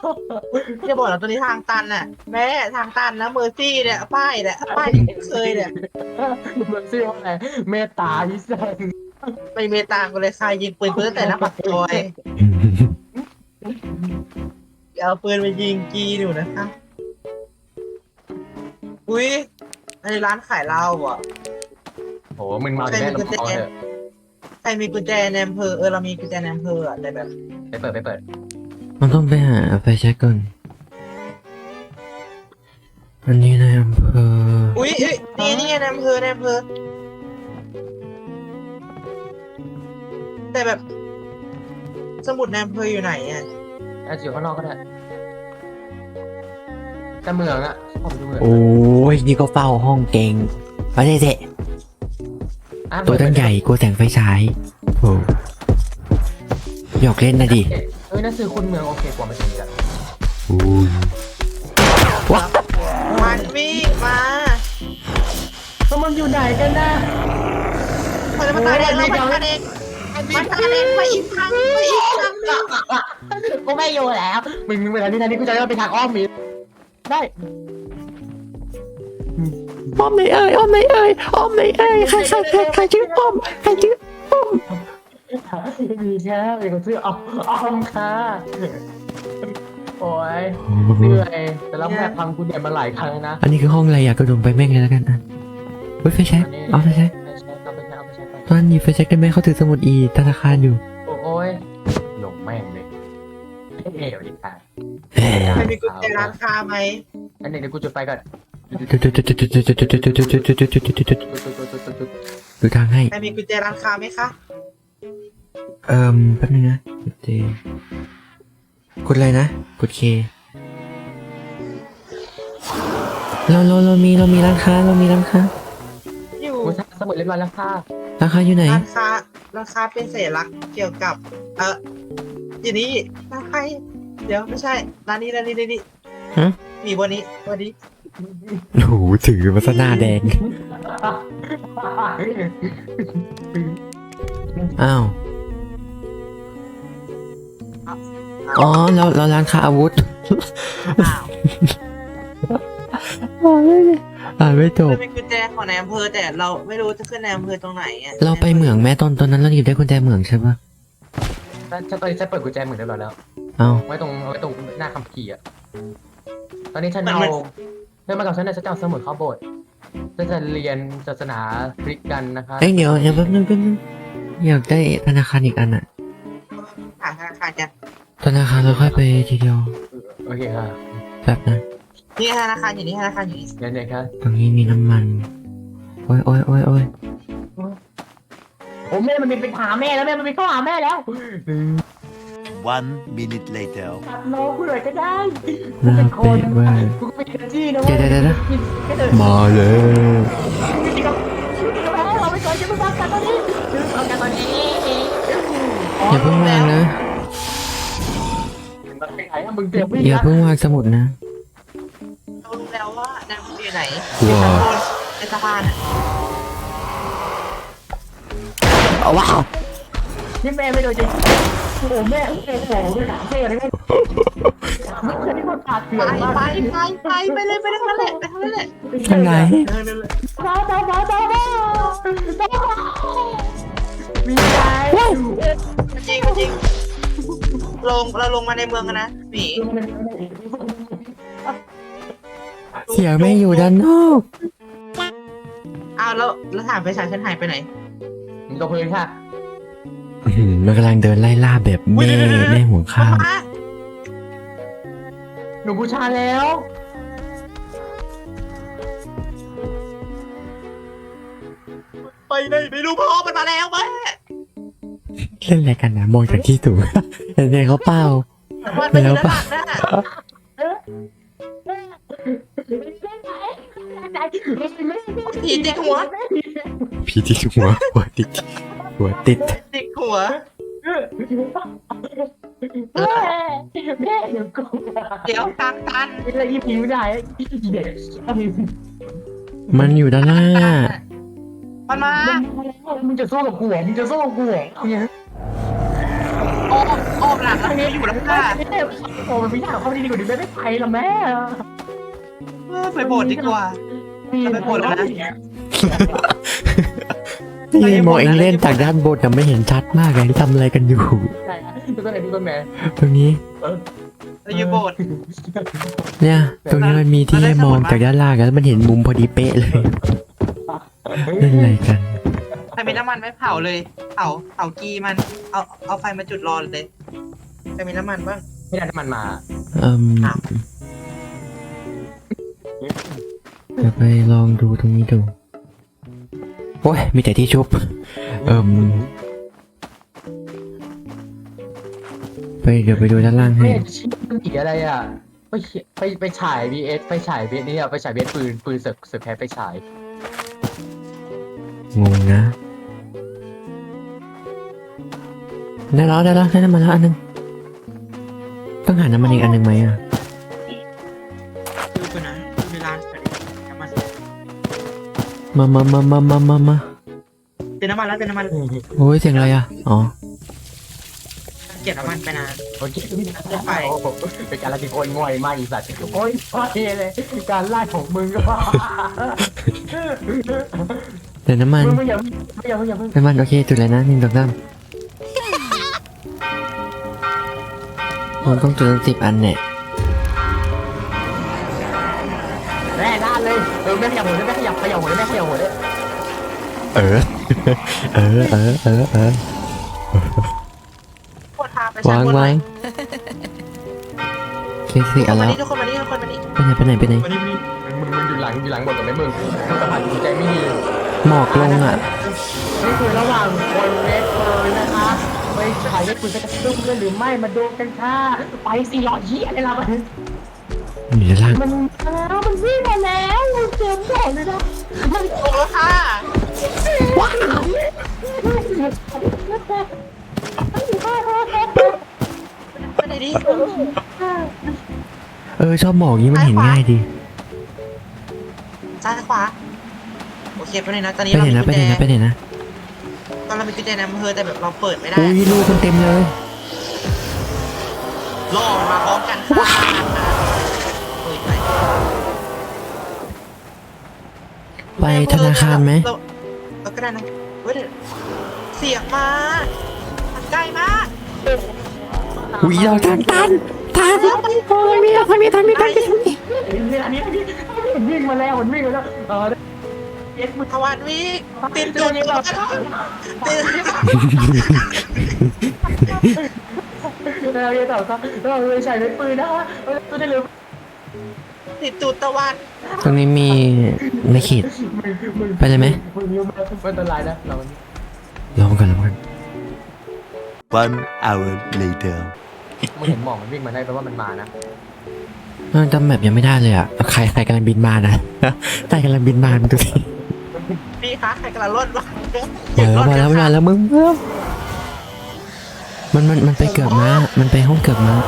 จะบอกแล้วตัวนี้ทางตันน่ะแม่ทางตันนะเมอร์ซี่เนี่ยป้ายที่เคยเนี่ยมันชื่อว่าอะไรเมตตาพิเศษไม่เมตามกันเลยค่ะยิงปืนตั้งแต่หน้าปากซอยอย่าเอาปืนไปยิงกีหนูนะคะอุ้ยในร้านขายเหล้าอ่ะโหมึงเมาจากแม่ลำคอเถอะใครมีกุญแจในอำเภอเรามีกุญแจในอำเภออะแต่แบบไปเปิดมันต้องไปหาไฟแช็กก่อนอันนี้ในอำเภออุ้ยนี่ไงในอำเภอแต่แบบ สมุดในอำเภออยู่ไหนอ่ะอาจจะอยู่ข้างนอกก็ได้แต่เมืองอะผมดูเมืองโอ้ยนี่ก็เฝ้าห้องเก่งมาเจ๊ตัวตั้งใหญ่กลัวแสงไฟฉายโอ้หยอกเล่นนะดินั่นคือคุณเมืองโอเคกว่ามาจริงจังว้ามันวิ่งมาแล้วมันอยู่ไหนกันนะมันตายเองมันตายเองมาอีกครั้งกูไม่อยู่แล้วมึงไปทางนี้กูจะได้ไปทางอ้อมมีได้อ้อมไหนเอ่ยใครชื่ออ้อมมีแค่เด็กคนชื่ออ้อมค่ะโอ้ยเหนื่อยแต่แล้วแบบพังกูเนี่ยมาหลายครั้งนะอันนี้คือห้องอะไรอยากกระโดดไปแม่งเลยแล้วกันอ่ะเฮ้ยไฟแช็กเอาไฟแช็กเอาไปใช้ตอนนี้ไฟแช็กได้ไหมเขาถือสมุดอีธนาคารอยู่โอ้ยหลงแม่งเลยเอ๋วดิค่ะใครมีกุญแจร้านค้าไหมอันนี้เดี๋ยวกูจุดไฟก่อนดูทางให้ใครมีกุญแจร้านค้าไหมคะแป๊บนึงนะกดเจกดอะไรนะกดเคเรามีร้านค้าอยู่กูทำสมุดเรียบร้อยแล้วค่ะร้านค้าอยู่ไหนร้านค้าเป็นสัญลักษณ์เกี่ยวกับอยู่นี่ร้านใครเดี๋ยวไม่ใช่ร้านนี้ฮะมีวันนี้โอ้โหถือมาซะหน้าแดงอ้าวอ๋อเราร้านค้าอาวุธอ้าวอ่านไม่จบมันเป็นกุญแจของนายอำเภอแต่เราไม่รู้จะขึ้นนายอำเภอตรงไหนอ่ะเราไปเหมืองแม่ตอนนั้นเราหยิบได้กุญแจเหมืองใช่ปะฉันตอนนี้ฉันเปิดกุญแจเหมือนเรียบร้อยแล้วเอ้าไว้ตรงหน้าคัมภีร์อ่ะตอนนี้ฉันเอาเรื่องมากับฉันเนี่ยฉันจะเอาสมุดเข้าโบสถ์ฉันจะเรียนศาสนาคริสต์กันนะคะเดี๋ยวแป๊บนึงอยากได้ธนาคารอีกอันอะผ่านธนาคารกันธนาคารเราค่อยไปทีเดียวโอเคค่ะแป๊บนะนี่ธนาคารอยู่นี่งั้นเนี่ยค่ะตรงนี้มีน้ำมันโอ้ยโอ้แม่มันมีไปหาแม่แล้วแม่มันมีเข้าหาแม่แล้ว 1 minute later. ตัดโลกูหน่อยก็ได้น่าเป๊ะมากกูเป็นกระจี้นะเดี๋ยวมาเลยเราไปก่อนจะไปฟังกันตอนนี้ฟังกันตอนนี้อย่าเพิ่งวางนะมันไปไหนอะมึงเตรียมวิ่งอย่านะเพิ่งวางสมุดนะเรารู้แล้วว่านายอำเภออยู่ไหนว้าวในสะพานอ่ะว้าวนี่แม่ไม่โดนจริงโอ้โหแม่โอ้โหไม่ถามแม่เลยแม่แค่นี้มันขาดเกลือมากไปเลยไปทางนั้นแหละทางไหนบ้ามีใจจริงเราลงมาในเมืองกันนะหมีเสียงไม่อยู่ด้านนอกอ้าวแล้วถามไปฉายฉันหายไปไหนมึงตกพื้นค่ะมันกำลังเดินไล่ล่าแบบแม่ห่วงข้าวหนูบูชาแล้วไปเลยไม่รู้พ่อมันมาแล้วแม่เล่นอะไรกันนะมองจากที่สูงเห็นไงเขาเปล่ามันไปอยู่ด้านหลังนะ ผีติดหัวผีที่หัวติดติดหัวแม่เดี๋ยวกูเดี๋ยวทางตันอะไรอีผิวไหนเด็กมันอยู่ด้านหน้ามันมามึงจะสู้กับกูเหรอมึงจะสู้กับกูเหรอเนี่ยอ้อมหลังแล้วอยู่แล้วค่ะโอ้มันไม่อยากเข้าดีกว่านี้ไม่ได้ไปละแม่ไปโบสถ์ดีกว่า ไปโบสถ์แล้วนะนี่มองเองเล่นจากด้านบนแต่ไม่เห็นชัดมากเลยทำอะไรกันอยู่ใช่ดูต้นไหนดูต้นไหนตรงนี้เราอยู่โบสถ์เนี่ย ตรงนี้มันมีที่ให้มองจากด้านล่างแล้วมันเห็นมุมพอดีเป๊ะเลยเล่นอะไรกันใครมีน้ำมันไม่เผาเลย เผากีมัน เอาไฟมาจุดรอเลยใครมีน้ำมันบ้างไม่ได้น้ำมันมาเดี๋ยวไปลองดูตรงนี้ดูโอ้ยมีแต่ที่ชุบเดี๋ยวไปดูด้านล่างให้ไม่ชิ้นมันอีกอะไรอ่ะไปฉาย VS ไปฉาย VS นี่อ่ะไปฉาย VS ปืนเสือแพ้ไปฉายงงนะได้แล้วได้น้ำมันแล้วอันนึงต้องหาน้ำมันอีกอันนึงไหมอ่ะดูกันนะเวลาน้ำมันมาเจอน้ำมันแล้วเจอน้ำมันโอ้ยเสียงอะไรอ่ะอ๋อเก็บน้ำมันไปนะโอเคไปเป็นการไล่ที่โคนง่อยมากอีสัตว์โอ้ยพอดีเลยการไล่ของมึงก็เดี๋ยวน้ำมันมึงอย่าน้ำมันโอเคจุดเลยนะ1 2 3ผมต้องจุดตั้ง10 อันเนี่ยแน่ด้านเลยไม่ขยับหัวเลยไม่ขยับหัวเลยไม่ขยับหัวเลยเออโคตรทาไปวางเคสสี่อันแล้วทุกคนมานี่ทุกคนมานี่ไปไหนมานี่มึงอยู่หลังหมดกับไอ้มึงสมัครใจไม่ดีหมอกลงอ่ะนี่คือระหว่างคนเวทเลยนะคะไปถ่ายเวทปืนจะกระตุ้นด้วยหรือไม่มาดูกันค่ะไป400เหี้ยอะไรล่ะอยู่ด้านล่างมันวิ่งมาแล้วเจอบ่อยเลยนะมันโกงแล้วค่ะไปไหนดิชอบหมอกนี้มันเห็นง่ายดีซ้ายขวาโอเคไปไหนนะตอนนี้ไปเราไหนมีนะกุญแจไปไหนนะตอนเรามีกุญแจในอำเภอแต่แบบเราเปิดไม่ได้อุ้ยลูกมันเต็มเลยล่อมันมาพร้อมกันค่ะเปิดไปไปธนาคารไหมเราก็ได้นะเว้ยเดี๋ยวเสียงมามันใกล้มากอุ้ยเราตันทางนี้อันนี้วิ่งมาแล้วมันวิ่งมาแล้วเย็ดมึงทวันวิติดจุดเราติดเราเรียนต่อครับเราเลยใช้เป็นปืนนะตัวได้เลยติดจุดตะวันตรงนี้มีไม่ขีดไปเลยไหมมึงยุ่งมากไม่เป็นไรนะเราลองก่อน 1 hour later. มึงเห็นหมอกมันวิ่งมาได้แปลว่ามันมานะมันจำแบบยังไม่ได้เลยอ่ะใครกำลังบินมานะใครกำลังบินมาดูสิพี่คะใครกำลังรถวะมาแล้วมึงมันไปเกือบม้ามันไปห้องเกือบม้า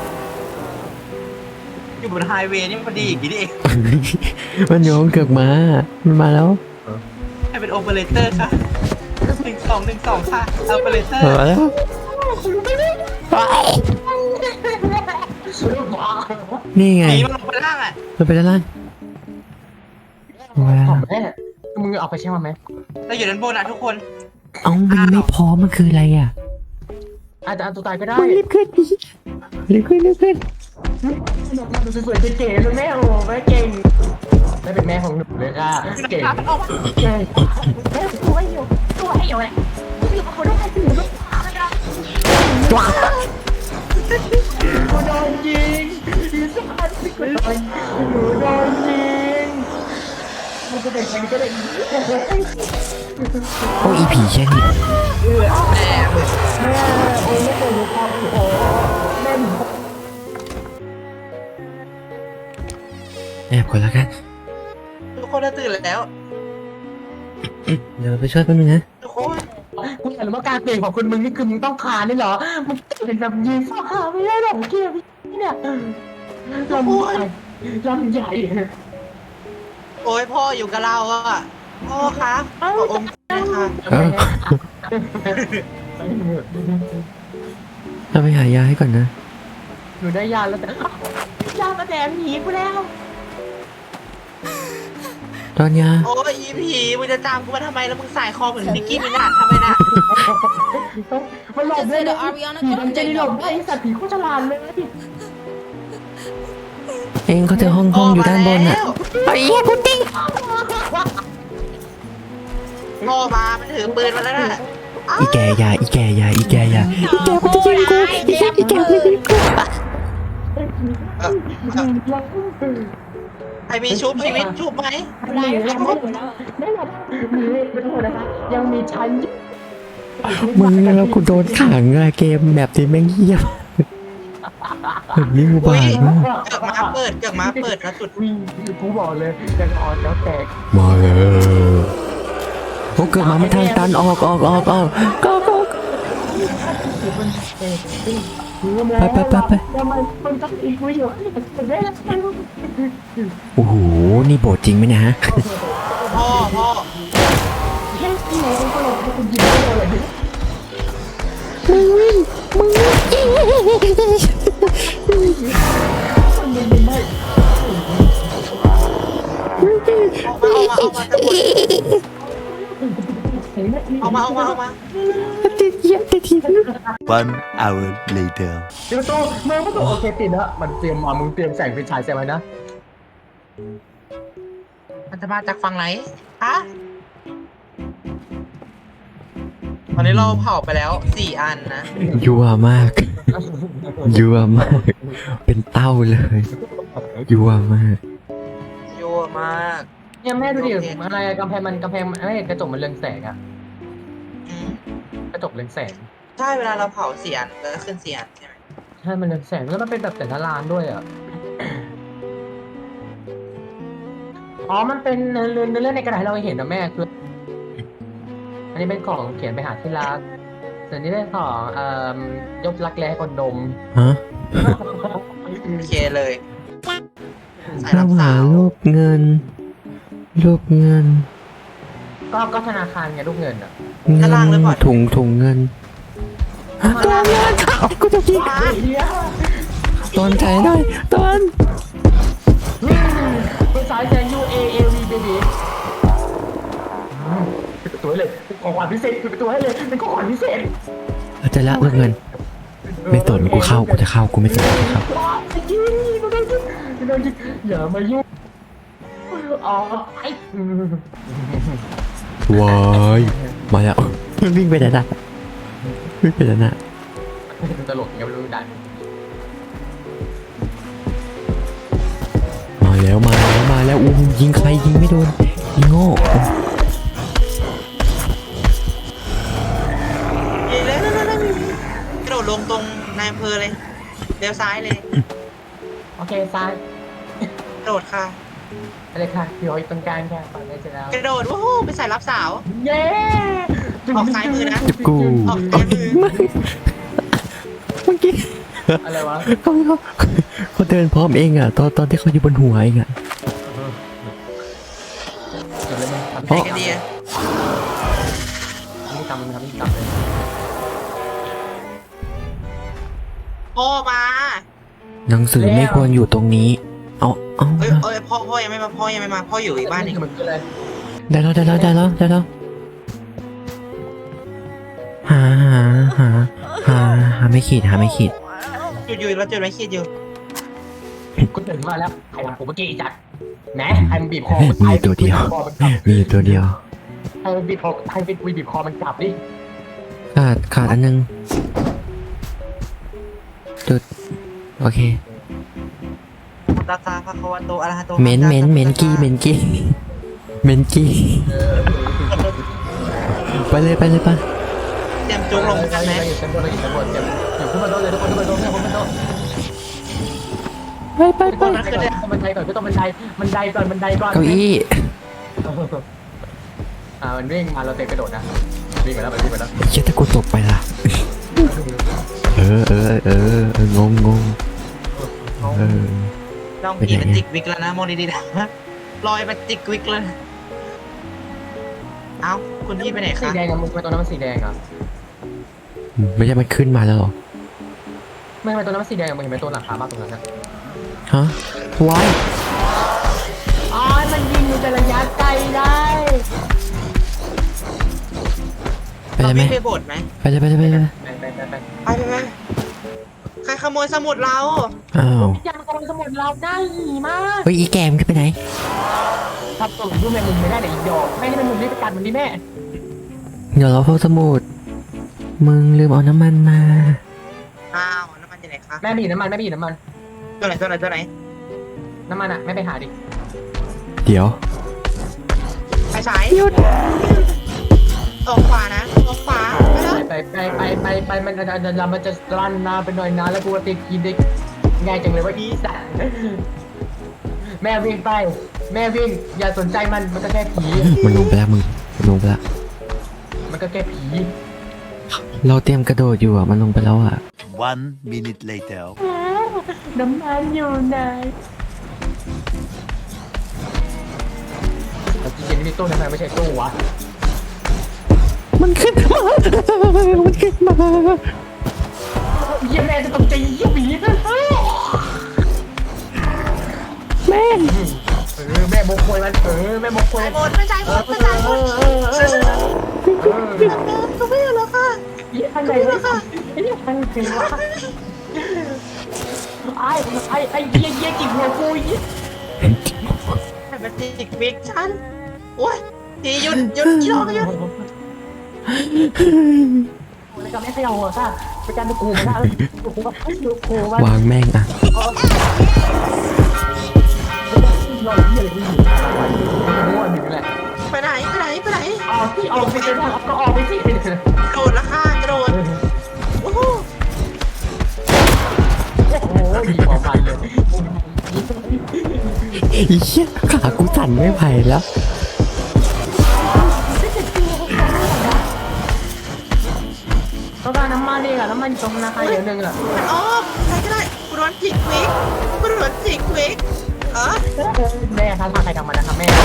อยู่บนไฮเวย์นี่มันดีอย่างนี้ดิมันอยู่ห้องเกือบม้ามันมาแล้วให้เป็นโอเปอเรเตอร์ค่ะ1212ค่ะโอเปอเรเตอร์มาแล้ว นี่ไงหนีมันลงไปล่างอ่ะมันไปด้านล่างของแม่มึงเอาไปแช่มาไหมเราอยู่ด้านบนนะทุกคนเอ้ามันไม่พอมันคืออะไรอ่ะอาจจะตัวตายก็ได้รีบขึ้นดูสวยๆเก๋ๆเลยแม่โอ้แม่เก่งแม่เป็นแม่ของหนูเลยค่ะเก่งเก่งแม่สวยอยู่เลยคนต้องให้ถึงลูกค้าเลยนะกูโดนยิงอีสัตว์กูโดนยิงมันจะเป็นใครก็ได้โอ้อีผีแค่นี้แม่โอ้ยโอ้ยโอ้แม่แอบก่อนแล้วกันทุกคนเราตื่นแล้วเดี๋ยวไปช่วยแป๊บนึงนะทุกคนกูเห็นว่าการเปลี่ยนของคุณมึงนี่คือมึงต้องคานนี่เหรอมึงเป็นแบบยิงฟ้าไม่ได้หรอกเกียร์พี่เนี่ยลำใหญ่โอ้ยพ่ออยู่กับเราอ่ะพ่อคะขออมหน่อยค่ะเอ้าเราไปหายาให้ก่อนนะหนูได้ยาแล้วแต่ยามาแดงหนีกูแล้วตอนยาโอ้ยอีผีมึงจะตามกูมาทำไมแล้วมึงสายคอเหมือนนิกกี้มินาททำไมน่ะมันหลบได้เลยผีมันจะหลบได้สัตว์ผีโคตรฉลาดเลยเองเขาเจอห้องอยู่ด้านบนอ่ะไอ้เหี้ยพุดดิ้งโง่มามันถือปืนมาแล้วน่ะอีแกยาอีแกยาอีแกยาอีแกมันจะยิงกูอีแกมันจะยิงกูไอมีชุบชีวิตชุบไหมหนีแล้วไม่หมดหนีไม่ต้องนะคะยังมีชั้นมึงแล้วกูโดนขังอะเกมแบบนี้แม่งเหี้ยแบบนี้กูบาดมากเกิดมาเปิดแล้วจุดวิ่งกูบอกเลยยังอ่อนแล้วแตกมาแล้วโอ้เกิดมาไม่ทันตันออกก็ไปมันต้องอีกวิวได้แล้วโอ้โหนี่โบดจริงไหมนะฮะพ่อแค่ที่ไหนก็หลบให้คุณยิงได้เลยมึงวิ่งเอามาติดเหี้ยติดที 1 hour later. เดี๋ยวโตมึงก็โอเคติดแล้วมันเตรียมมามึงเตรียมแสงไฟฉายใส่ไว้นะมันจะมาจากฝั่งไหนฮะตอนนี้เราเผาไปแล้ว4 อันนะยัวมากยัวมากเป็นเต้าเลยยัวมากยั่วมากเนี่ยแม่ดูดิอะไรกำแพงไม่กระจกมันเรืองแสงอะอืมกระจกเรืองแสงใช่เวลาเราเผา4 อันก็ขึ้น4 อันใช่ไหมใช่มันเรืองแสงแล้วมันเป็นแบบแต่ละลานด้วยอะอ๋อมันเป็นเรื่องในกระดาษที่เราเห็นนะแม่คืออันนี้เป็นของเขียนไปหาที่รักส่วนนี้เป็นของยกรักแร้ให้คนดมฮะโอเคเลยสายเรารับหาสาวรูปเงินก็ธนาคารไงลูกเงินอ่ะถุงเงินตัวเงินเอากูจะยิงตอนใจหน่อยตอนเป็นสายแซง UAAV baby เป็นตัวให้เลยเป็นของขวัญพิเศษเป็นตัวให้เลยเป็นของขวัญพิเศษเราจะละรูปเงิน ไม่สนกูจะเข้ากูไม่สนกูเข้ายิงอย่ามายุ่งอ๋อไอ้ว้ายมาแล้ววิ่งไปไหนนะตลกยังไม่รู้ดันมาแล้วอู้ยิงใครยิงไม่โดนยิงโง่ยิงเลยกระโดดลงตรงนายอำเภอเลยเลี้ยวซ้ายเลยโอเคซ้ายกระโดดค่ะอะไรค่ะพี่อ้อยตรงกลางค่ะฝั่งได้เสร็จแล้วกระโดดวู้ไปใส่รับสาวเย้ออกซ้ายมือนะจิบกูออกซ้ายมือเมื่อกี้อะไรวะเขาเดินพร้อมเองอ่ะตอนที่เขาอยู่บนหัวเองอ่ะเกิดอะไรไหมไหนกันดีอะทำนี่กรรมเลยพ่อมาหนังสือไม่ควรอยู่ตรงนี้เอาเอ้ยพ่อยังไม่มาพ่ออยู่อีกบ้านหนึงมันคืออะไรได้แล้วหาไม่ขีดอยู่แล้วจุดไว้ขีดอยู่กูตื่นมาแล้วใครทำผมเมื่อกี้จัดแหมใครมันบีบคอมีตัวเดียว มีตัวเดียวใครมันบีบคอใครเป็นบีบคอมันกลับดิขาดอันนึงจุดโอเคตาตาพระควโตอะระหะโตเม้นกี้ไปเลยปะเตรียมจุกลงกันไหมอยู่ชั้นบนอยู่ขึ้นมาโดนเลยทุกคนขึ้นมาโดนขึ้นมาโดนไปต้องบันไดก่อนต้องบันไดก่อนเก้าอี้มันวิ่งมาเราเตะกระโดดนะวิ่งมาแล้วเชี่ยถ้ากูตกไปล่ะงงน้องพีมันจิกวิกแล้วนะมองดีๆนะลอยมันจิกวิกแล้วนะเอ้าคุณพี่ไปไหนสีคะแดงอะมึงไปตรงนั้นมันสีแดงอ่ะไม่ใช่มันขึ้นมาแล้วหรอไม่ทำไมตัวนั้นมันสีแดงมึงเห็นไหมตัวหลังคาบ้านตรงนั้นนะฮะวายอ๋อมันยิงอยู่แต่ระยะไกลได้ไปเลยไหมไปโบสถ์ไหมไปเลยไปเลยไปเลยไปใครขโมยสมุดเราอ้าวยังกำลังสมุดเราได้หีมากเฮ้ยอีแกมนไปไหนทำตัวดูแมงมุมไม่ได้เดี๋ยวอีกดอกแม่ให้แมงมุมรีบไปกัดมันดิแม่เดี๋ยวเราพบสมุดมึงลืมเอาน้ำมันมาอ้าวน้ำมันอยู่ไหนคะแม่ไปหยิบน้ำมันแม่ไปหยิบน้ำมันตัวไหนตัวไหนตัวไหนน้ำมันอ่ะแม่ไปหาดิเดี๋ยวไปฉายหยุดออกขวานะออกขวาไปแล้วไปมันจะรันนาไปหน่อยนะแล้วกูก็ติดกินได้ง่ายจังเลยว่าอีสันแม่วิ่งไปแม่วิ่งอย่าสนใจมันก็แค่ผีมันลงไปแล้วมึงมันลงไปแล้วมันก็แค่ผีเราเตรียมกระโดดอยู่อ่ะมันลงไปแล้วอ่ะ 1 minute later. น้ำมันอยู่ไหนจริงๆนี่ตู้ทำไมไม่ใช่ตู้วะมันขึ้นมามันขึ้นมาเยี่ยแม่จะตกใจเยี่ยผีนะแม่งแม่บกควยมันแม่บกควยหมดไม่ใช่หมดไม่ใช่หมดก็ไม่แล้วค่ะเยี่ยทางไหนวะเยี่ยทางไหนวะไอ้เยี่ยจิกหัวกูยี่แต่เป็นจิกบิ๊กฉันโอ้ยทีหยุดอีดอกหยุดแล้วก็ไม่ขยับหัวค่ะไปการดูกูมาได้ดูกูมาวางแม่งอ่ะหล่อเยี่ยเลยมั่วหนึ่งแหละไปไหนออกที่ออกไปเลยก็ออกไปที่โดดละค่ะกระโดดโอ้โหโอ้ยดีของมันเลยอีเหี้ยขากูสั่นไม่ไหวแล้วต้องการน้ำมันเองอะน้ำมันอยู่ตรงธนาคารอย่างหนึ่งอะอ๋อใครก็ได้กูโดนจิกบิ๊กแม่ครับทำใครทำมันนะครับแม่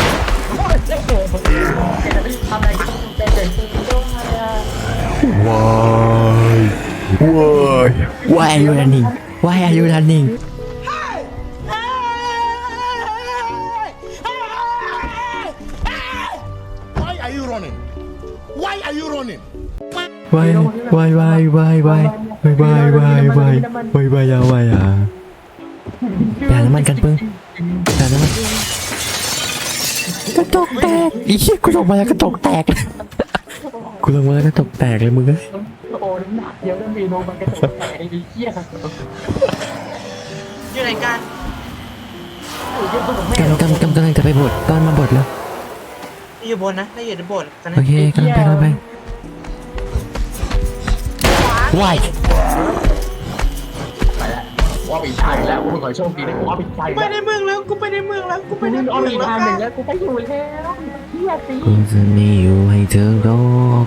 ทำอะไรก็ต้องเป็นเดินซื้อด้วย Why are you running Why are you running Why are you running? Why are you running? Whyอ่ะไปหาน้ำมันกันปึ้งหาน้ำมันกระจกแตกอีเหี้ยกูลงมาแล้วกระจกแตกกูลงมาแล้วกระจกแตกเลยมึงเอ้ยโอ้หนักเยอะแล้วมีโนมันกระโดดไอ้เหี้ยอยู่ไหนกันกำลังจะไปบดตอนมาบดแล้วอยู่บนนะถ้าอยู่ในโบสถ์กันนะโอเคกำลังไปWhy ไปแล้วว่าปีชายแล้วกูขอโชคดีนะกูว่าปีชายกูไปในเมืองแล้วกูไปในเมืองแล้วเอาอีกทางหนึ่งแล้วกูไปอยู่แล้วเหี้ยสิกูจะไม่อยู่ให้เธอรอก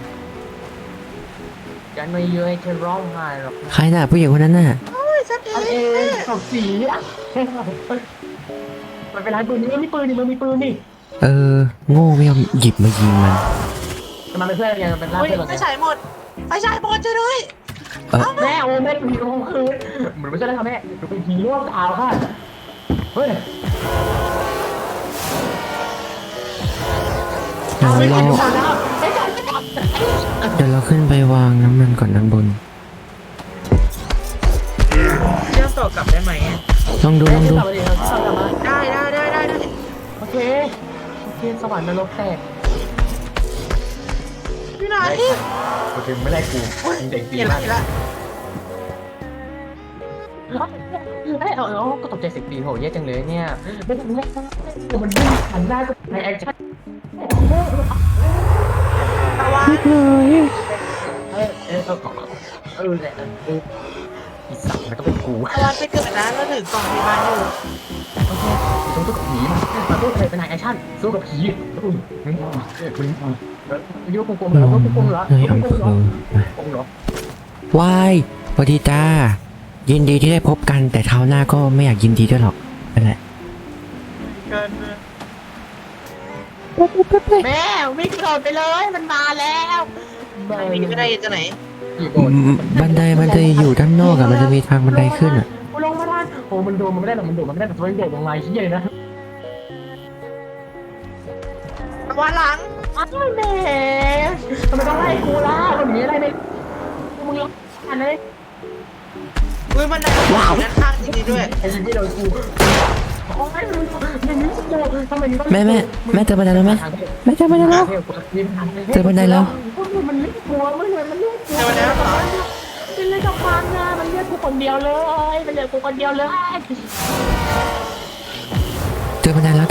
ฉันไม่เยอะให้เธอร้องไห้หรอกใครน่ะผู้หญิงคนนั้นน่ะชัดเออันเองสองสีอ่ะมันเป็นไรปืนนี่มันมีปืนนี่มันมีปืนนี่โง่ไม่ยอมหยิบมายิงมันแต่มันเป็นเพื่อนไงมันเป็นร่างเฮ้ยเพื่อนไฟฉายหมดช่วยด้วยแม่โอ้แม่ผีโรงคืนเหมือนไม่ใช่แล้วค่ะแม่เป็นผีร่วงขาวค่ะเฮ้ยเดี๋ยวเราขึ้นไปวางน้ำมันก่อนด้านบนเชื่อมต่อกลับได้ไหมลองดูได้ โอเคสวรรค์นรกแตกพี่ไหนโอเคไม่ได้กูเด็กดีเห็นมาละกก็ตกใจเสียงดีโหแย่จังเลยเนี่ยไม่ต้องมันวิ่งหันหน้าก็ในแอคชั่นตะวันอีสัตว์มันก็เป็นกูตะวันไปเกิดนะแล้วถือกล่องพยาบาลอยู่โอเคต้องสู้กับผีมาสู้ใครเป็นนายแอคชั่นสู้กับผีมึงยุ่งกลมๆเหรอยุ่งกลมๆเหรอเฮ้ยเหรอวายสวัสดีจ้ายินดีที่ได้พบกันแต่คราวหน้าก็ไม่อยากยินดีด้วยหรอกนั่นแหละเกินแม่วิ่งโดดไปเลยมันมาแล้วไหนวิ่งก็ได้จะไหนอยู่โบนบันไดมันจะอยู่ด้านนอกอะมันจะมีทางบันไดขึ้นอะกูลงมาได้โอ้มันโดดมันไม่ได้หรอกมันโดดมันไม่ได้แต่ตัวมันโดดลงมาเฮียเลยนะวันหลังอ้าวแหมทำไมต้องไล่กูล่ะคนนี้อะไรเนี่ยมึงลงอันนี้อุ้ยมันได้ว้าวด้านข้างจริงๆด้วยไอ้ยิงไม่โดนกูโอ้ยมึงอย่างนี้กูทำไมมึงต้องแม่เจอบันไดแล้วแม่เจอบันไดแล้วเจอบันไดแล้วมันเรียกกลัวมันเลยมันเรียกกลัวเจอบันไดแล้วเหรอมันเรียกกับฟังนะมันเรียกกูคนเดียวเลยมันเรียกกูคนเดียวเลยเจอบันไดแล้ว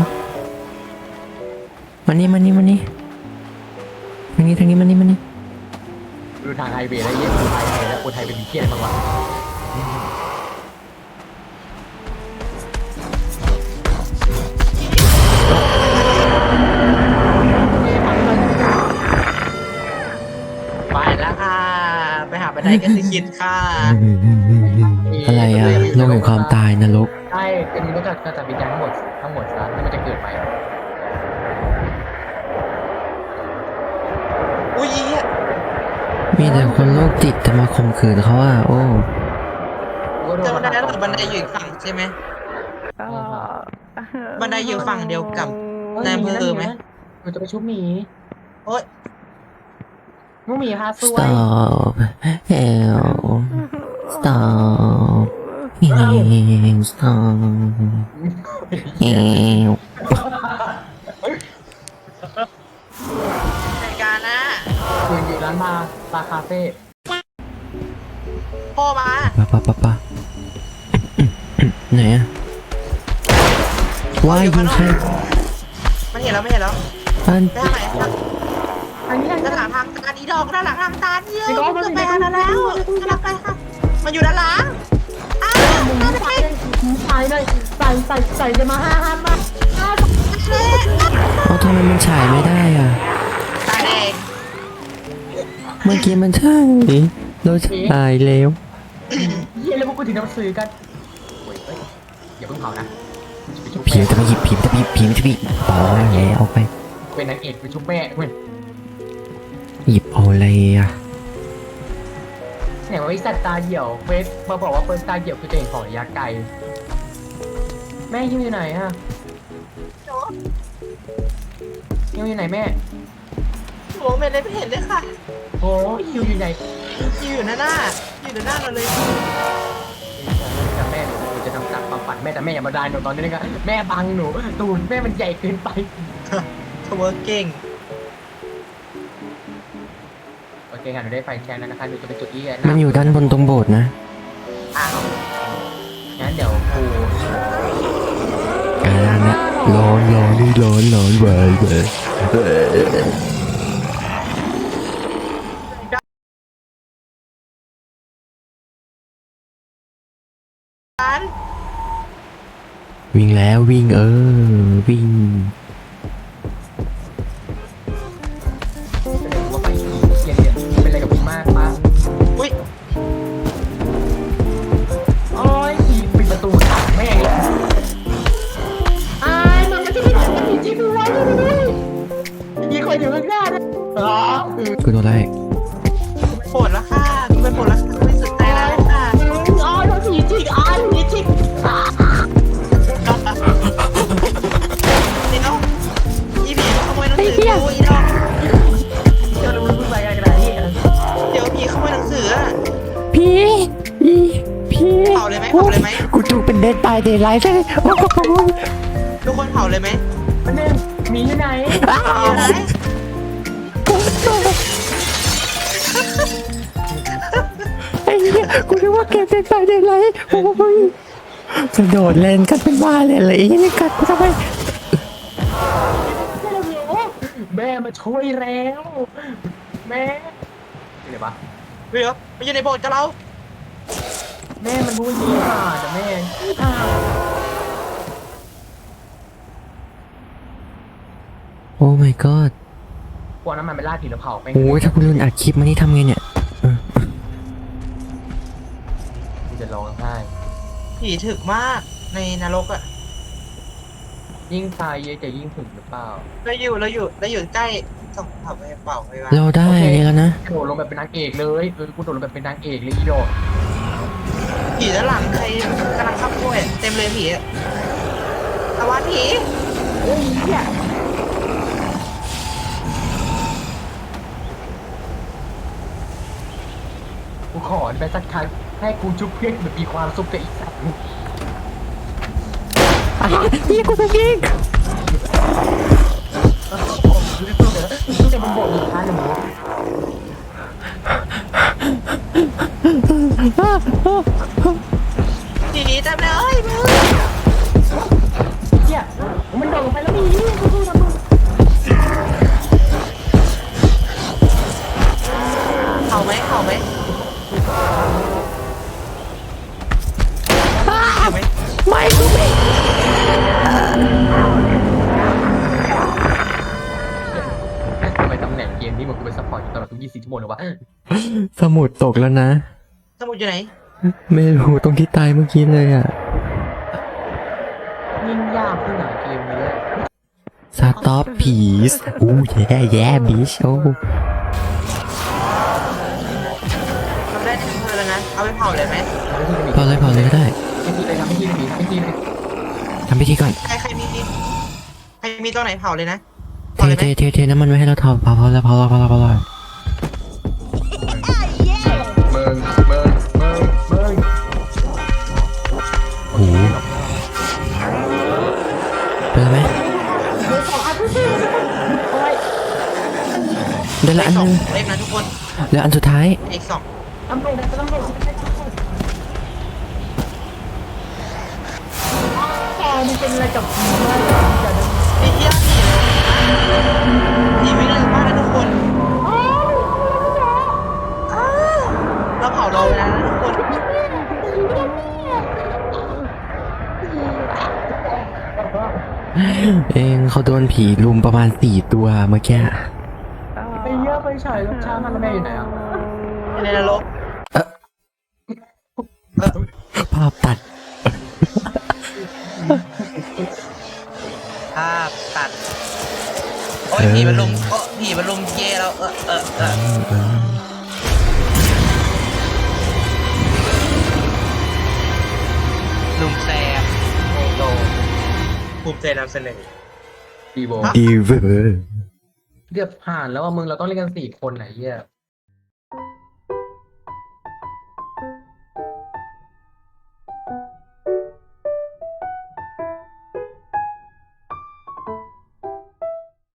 มานี่ทางนี้มานี่ดูทางไฮเวย์แล้วเยี่ยมดูไฮเวย์แล้วกูไทยเป็นเพี้ยนมากกว่าไปแล้วค่ะ ไปหาบันไดกันสิคิดค่ะอะไรอะโลกแห่งความตายนรกใช่เป็นมันก็จะวิญญาณทั้งหมดซะแล้วมันจะเกิดใหม่อุ้ยอีอะมีแต่คนโรคจิตจะมาข่มขืนเขาอะโอ้เจอบันไดแล้วเหรอบันไดอยู่อีกฝั่งใช่ไหมบันไดอยู่ฝั่งเดียวกับในอำเภอไหมหนูจะไปชุบหมีโอ๊ยน้องหมีพาสวย stop help stop stop help ในการนะคุยอยู่ร้านบาร์คาเฟ่พ่อมาปะไหนอะว่ายยิงใครมันเห็นแล้วไม่เห็นแล้วอันไปทางไหนครับอันนี้ด้านหลังทางตาดีดอกด้านหลังทางตาเยอะจะไปทางนั้นแล้วกำลังไปค่ะมันอยู่ด้านหลังอ้าวมึงมาไปใส่เลยใส่จะมาห้ามมาเอาทำไมมันฉายไม่ได้อะตาแดงเมื่อกี้มันใช่เราฉายแล้วเยี่ยแล้วพวกกูถึงน้ำซื้อกันอย่าเพิ่งเผานะผีมันจะมาหยิบผีมันจะหยิบอ๋อแล้วเอาไปเป็นนางเอกไปชุบแม่เว้ยหยิบเอาอะไรอะเนี่ยว่าไอ้สัตว์ตาเหี่ยวเฟสมาบอกว่าเฟิร์สตาเหี่ยวคือตัวเองของระยะไกลแม่ฮิวอยู่ไหนอะฮิวอยู่ไหนแม่โอ้ไม่ได้ไม่เห็นเลยค่ะโอ้ฮิวอยู่ไหนอยู่หน้าเราเลยแต่แม่หนูจะทำการปัดแม่แต่แม่อย่ามาดานหนูตอนนี้นะครับแม่บังหนูตูนแม่มันใหญ่เกินไปทเวอร์เก่งโอเคค่ะหนูได้ไฟแช็กแล้วนะคะหนูจะไปจุดที่มันอยู่ด้านบนตรงโบสถ์นะอ้าวงั้นเดี๋ยวกูกลางนะร้อนไปการวิ่งแล้ววิ่งวิ่งว่าไปเย็นๆเป็นอะไรกับพี่มากปะอุ้ยโอ้ยปิดประตูขังแม่งเลยอายมันไม่ใช่ไม่ได้จริงๆด้วยมีคนอยู่ข้างหน้านะอ๋อกูโดนไล่ปวดแล้วค่ะไม่ปวดแล้วค่ะไม่สุดใจแล้วค่ะอ๋อเราผีจริงอ๋อผีจริงนี่เนาะอีผีขโมยหนังสือกูอีดอกจะรู้มึงไปกันขนาดนี้เดี๋ยวผีขโมยหนังสืออะพี่เผาเลยไหมกูจูเป็นเดดตายเดดไลท์ใช่ไหมโอ้โหทุกคนเผาเลยไหมมันนึงมีอยู่ไหนมีอะไรไอ้เหี้ยกูนึกว่าเก็บเดดตายเดดไลท์โอ้โหกระโดดเล่นกันเป็นบ้าเลยอะไรอย่างนี้กัดกูทำไมแม่มาช่วยแล้วแม่เดี๋ยวปะเดี๋ยวมันอยู่ในโบสถ์กับเราแม่มันพูดยี่ห้าแต่แม่อ้าวโอ้ my god กลัวน้ำมันไปลาดผีแล้วเผาไปโอ้ยถ้ากูลืมอัดคลิปมานี่ทำไงเนี่ยกูจะร้องไห้ผีถึกมากในนรกอะจยิ่งตายเยอะจะยิ่งถึงหรือเปล่าเราอยู่ใกล้ส่องเผาไปเป่าไปวะเราได้แล้วนะโดดลงแบบเป็นนางเอกเลยกูโดดลงแบบเป็นนางเอกเลยอีโดดผีด้านหลังใครกำลังขับกล้วยเต็มเลยผีอะตะวันผีเฮ้ยเหี้ยกูขอไปสักครั้งให้กูชุบเพื่อนแบบมีความสุขกับอีกสัตว์พี่กูถูกยิงกูจะมันบอกอีกครั้งหนึ่งผีเต็มเลยมึงเหี้ยมันโดดลงไปแล้วนี่กูสู้นะมึงเผาไหมเผาไหมเผาไหมไม่กูไม่ทำไมตำแหน่งเกมนี้มันกูเป็นซัพพอร์ตอยู่ตลอดทุก24 ชั่วโมงเลยวะสมุดตกแล้วนะสมุดอยู่ไหนไม่รู้ตรงที่ตายเมื่อกี้เลยอ่ะยิ่งยากขึ้นหนาเกมนี้สต็อปผีสอู้แย่บิชโอ้ทำได้ถึงเธอแล้วนะเอาไปเผาเลยไหมพอเลยก็ได้ไม่ทีเลยทำไม่ทีเลยไม่ทีเลยทำพิธีก่อนใครมีตัวไหนเผาเลยนะเทน้ำมันไว้ให้เราทอพอแล้วมึงโอ้โหเป็นไหมเดี๋ยวละอันสนึองงเล็กนะทุกคนเดี๋ยวอันสุดท้ายอีกสองตำรวจมันเป็นอะไรกับผีมากจะไอ้เหี้ยผีวิ่งเร็วมากนะทุกคนเราเผาเราแล้วนะทุกคนเองเขาโดนผีลุมประมาณ4 ตัวเมื่อกี้ไปเยอะไปฉายรถช้ามันแม่อยู่ไหนอ่ะในนรกภาพตัดภาพตัดโอ้ยผีมันลุมผีมันลุมเย่เราลุมแซมโอ้โหภูมิใจนำเสนอดีโบดีเวอร์เรียบผ่านแล้วว่ามึงเราต้องเล่นกัน4 คนไหนเหี้ย